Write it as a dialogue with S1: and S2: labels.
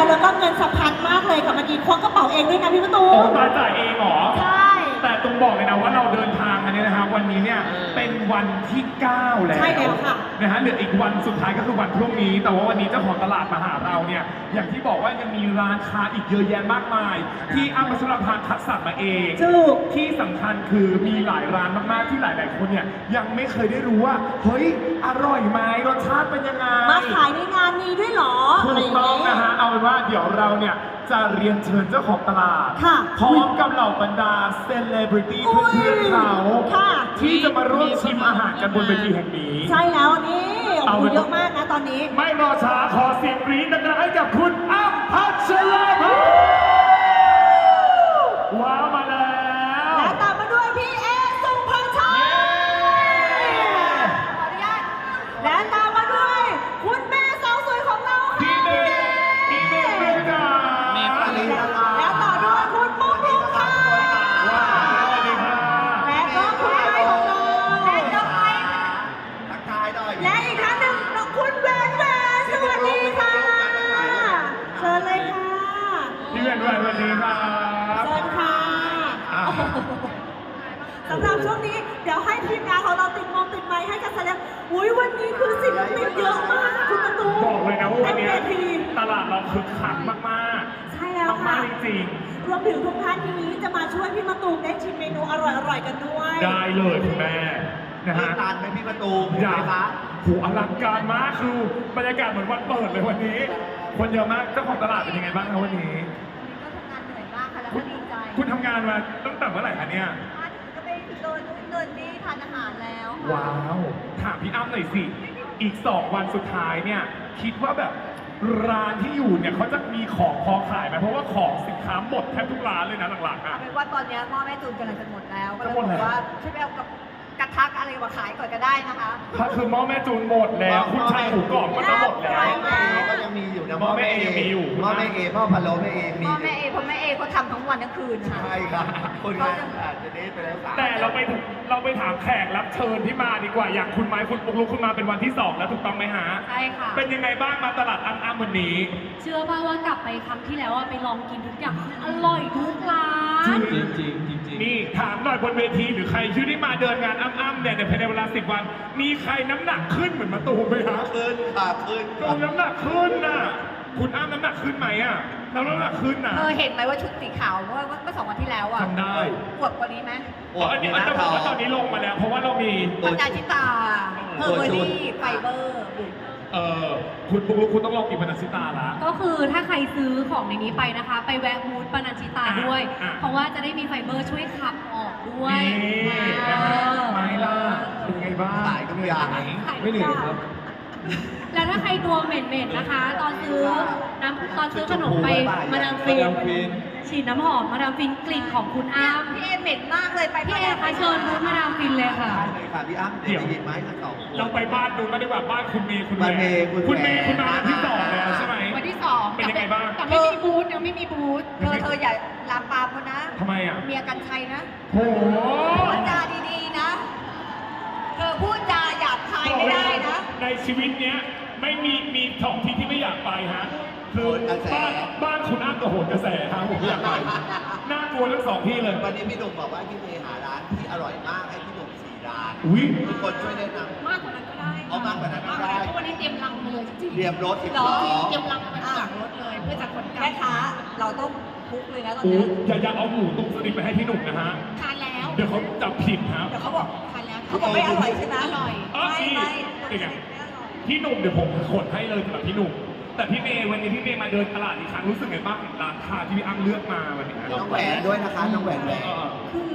S1: แล้วก็เงินสะพัดมากเลยค่ะเมื่อกี้ควักกระเป๋าเองด้วยนะพี่ประตู
S2: โอ้มาจ่ายเองเหรอ
S1: ใช่
S2: แต่ต้องบอกเลยนะว่าเราเดินทางอันนี้นะครับวันนี้เนี่ยเป็นวันที่ 9 แล้ว
S1: ใช่แล้วค่ะ
S2: นะฮะเหลืออีกวันสุดท้ายก็คือวันพรุ่งนี้ แต่ว่าวันนี้เจ้าของตลาดมาหาเราเนี่ยอย่างที่บอกว่ายังมีร้านค้าอีกเยอะแยะมากมาย ที่อ้ำพัชรภาคัดสรรมาเอง
S1: ถูก
S2: ที่สำคัญคือมีหลายร้านมากๆที่หลายๆคนเนี่ยยังไม่เคยได้รู้ว่าเฮ้ยอร่อยไหมรสชาติเป็นยังไง
S1: มาขายในงานนี้ด้วยเหรอ
S2: ถู
S1: อะไร
S2: ก
S1: อย่าง
S2: ต้อง
S1: เงี้
S2: นะ
S1: ย
S2: ฮะ เอาเป็นว่าเดี๋ยวเราเนี่ยจะเรียนเชิญเจ้าของตลาด
S1: ค่ะ
S2: พร้อมกับเหล่าบรรดาเซเลบริตี้
S1: อุ้ย
S2: เพื่อนๆเขา
S1: ค่ะ
S2: ที่จะมาร่วมชิมอาหารกันบนเวทีแห่งนี้
S1: ใช่แล้วนี่โอ้
S2: เอา
S1: โห
S2: เป็น
S1: เยอะมากนะตอนนี้
S2: ไม่รอช้าขอเสียงกรี๊ดดังๆให้กับคุณอ้ำพัชราภาว้าวมาแล้ว
S1: และตามมาด้วยพี่เอสุภาชัย ขออนุญาต และตามมาด้วย คุณแม่สาวสวยของเราค่ะ
S2: พี่เมย์พี่เมย์เพื่อนจ๋า
S1: และต่อด้วยคุณปุ๊กลุ๊กค่ะ
S2: ว้าวสวัสดีค่ะ
S1: และก็คุณไม้ของเราและน้องไม้
S3: ทักทายหน่อย
S1: และอีกท่านหนึ่งคุณแหวนแหวนสวัสดีค่ะเชิญเลยค่ะ
S2: พี่เมย์ด้วยสวัสดีครับ
S1: เชิญค่ะ
S2: อ่า
S1: โอ้โหสำหรับช่วงนี้เดี๋ยวให้ทีมงานของเราติดมงติดไมค์ให้กันแสดงอุ้ยวันนี้คือศิลปินเยอะมากคุณประตู
S2: บอกเลยนะว่าวันนี้
S1: เต็มเวที
S2: ตลาดเราคึกคักมาก
S1: ใช่แล้ว
S2: ๆ
S1: ค่ะ
S2: มากๆจริง
S1: รวมถึงทุกท่านนี้จะมาช่วยพี่มะตูมได้ชิมเมนูอร่อยๆกันด้วย
S2: ๆ ได้เลยคุณแม่นะ
S3: เลิ
S2: ฮะ
S3: กนานไหมพี่ประตูผม
S2: อยา
S3: ไหม
S2: ก
S3: คะ
S2: โหอลังการมากคือบรรยากาศเหมือนวันเปิดเลยวันนี้ คนเยอะมากเจ้าของตลาดเป็นยังไงบ้างครับวันนี้
S4: ก็ทำงานเหนื่อยมากค่ะ แล้วก็ดีใจ
S2: คุณทำงานมาตั้งแต่เมื่อไหร่คะเนี่ย
S4: มาถึงก็ไปเดินนู่นเดินนี่ทานอาหารแล้วค่ะ
S2: ว้าว ถามพี่อ้ำหน่อยสิ อีก 2 วันสุดท้ายเนี่ย คิดว่าแบบร้านที่อยู่เนี่ยเขาจะมีของพอขายไหมเพราะว่าของสินค้าหมดแทบทุกร้านเลยนะหลังๆอ่ะ
S4: เอาเป็นว่าตอนเนี้ยหม้อแม่จูนกำลังจะหมดแล้ว ก็เลย
S2: จะหมด
S4: บ
S2: แล้
S4: อ
S2: ว
S4: กว่าช่วยไปเอากับกระทะอะไรมาขายก่อนก็ได้นะคะ
S2: ถ้าคือหม้อแม่จูนหมดแล้ว คุณชายหมูกรอบก็จะหมดแล้ว
S3: แม่เอก็ยังมีอยู่นะ
S2: หม้อแม่เอยังมีอยู่
S3: หม้อแม่เอหม้อพะโล้แม่เอ
S4: ห
S3: มี
S4: ม้อ
S3: อยู่
S4: แม่เอเพราะแม่เอเขาทำทั้งวันทั้งคืนค่ะ
S3: ใช่ครับคนงานอาจจะเดทไปแล้ว
S2: แต่เราไปถามแขกรับเชิญที่มาดีกว่า อย่างคุณไม้คุณปุ๊กลุกคุณมาเป็นวันที่ 2 แล้วถูกต้องไหมฮะ
S5: ใช่ค่ะ
S2: เป็นยังไงบ้างมาตลาดอ้ำๆวันนี้
S5: เชื่อป่าว่ากลับไปครั้งที่แล้วอะไปลองกินทุกอย่างอร่อยทุกร้าน
S3: จริงจริง
S2: นี่ถามหน่อยบนเวทีหรือใครที่ได้มาเดินงานอ้ำๆเนี่ยในภายในเวลา 10 วัน มีใครน้ำหนักขึ้นเหมือนมาตูมไหมฮะ
S3: ขึ้นค่ะขึ้น
S2: ตูมน้ำหนักขึ้นน่ะ คุณอ้ำน้ำหนักขึ้นไหมอ่ะน้ำหนักขึ้นน่ะ
S4: เธอเห็นไหมว่าชุดสีขาวเมื่อ2 วันที่แล้วอ่ะ
S2: จำได้
S4: อวบกว่านี้ไหม
S3: อวด
S2: อัน
S3: มี
S2: นี้
S3: หน้า
S2: จะบ
S3: ท้
S2: อก
S3: อง
S2: ว่าตอนนี้ลงมาแล้ว เพราะว่าเรามี
S4: ปัญญาชิตาเฮอร์เบอรี่ไฟเบอร์บุ๋ม
S2: คุณปุ๊กลุกคุณต้องลองกินบานาซิตาละ
S5: ก็คือถ้าใครซื้อของในนี้ไปนะคะ ไปแวะมูดปานันชิตาด้วย
S2: อ่ะ
S5: เพราะว่าจะได้มีไฟเบอร์ช่วยขับออกด้วย
S2: นี่นะฮะไม่ล่ะเป็นไงบ้าง
S3: ขายทุกอย่าง
S2: ไม่เหนื่อยครับ
S5: แล้วถ้าใครตัวเหม็นๆนะคะ ตอนซื้อขนมไปมาดามฟินฉีดน้ำหอมมาดามฟินกลิ่นของคุณอ้ำ
S4: พี่เอเหม็นมากเลยไป
S5: พี่เอคะเชิญมูดมาดามฟินเลยค่ะ
S3: ได้เลยค่ะพี่อ้ำเดี๋ยวไปหยิบไม้ทั้งสอง
S2: เราไปบ้านดูกันดีกว่าบ้านคุณเมย์คุณ
S3: บ้านเมย์คุณ
S2: คุณเมย์
S3: แหวน
S2: คุณมาวันที่ 2 แล้วใช่ไหม
S5: วันที่ 2
S2: เป็นยังไงบ้าง
S5: แต่ไม่มีบูธยังไม่มีบูธ
S4: เธออย่าลามปามเขานะ
S2: ทำไมอ่ะ
S4: เมียกันชัยนะ
S2: โอ้โห
S4: พูดจาดีๆนะ เธอพูดจาหยาบคายไม่ได้นะ
S2: ในชีวิตเนี้ยไม่มีสองที่ที่ไม่อยากไปฮะคือบ้านคุณอ้ำกับโหนกระแสครับผมอยากไปน่ากลัวทั้ง 2 ที่เลย
S3: วันนี้พี่หนุ่มบอกว่าพี่เมย์หาร้านที่อร่อยมากให้พี่หนุ่ม4 ร้าน
S2: อุ้ย
S3: ทุกคนช่วยแนะนำ
S5: มากกว่านั้นก็ได้
S3: เอามากกว่านั้นก็ได้
S5: เพราะวันนี้เตรียมลังมาเลยจริงๆ
S3: เรียมรถสิบ
S4: หรอ
S3: ล้อ
S5: เตรียมลังมาจากรถเลยเพื่อจะขนกลับ
S4: แม่ค้าเราต้องคุกเลยนะตอน
S2: โอ้
S4: นี้
S2: อย่าเอาหมูตุ้มสลิดไปให้พี่หนุ่มนะฮะ
S5: ทานแล้ว
S2: เดี๋ยวเขาจับผิดครับ
S4: เดี๋ยวเขาบอก
S5: ทานแล้ว
S4: เขาบอกไม่อร่อยใช่ไหม
S5: อร่อย
S4: ไม่ไม่
S2: เป็นไง
S4: ไม่อร่อย
S2: พี่หนุ่มเดี๋ยวผมขนให้เลยสำหรับพี่หนุ่ม แต่พี่เมย์วันนี้พี่เมย์มาเดินตลาดอีกครั้งรู้สึกไงบ้างกับร้านค้าที่พี่อ้ำเลือกมาวันนี้
S3: น้องแหวนด้วยนะคะ น้องแหวนแหวน
S2: เออ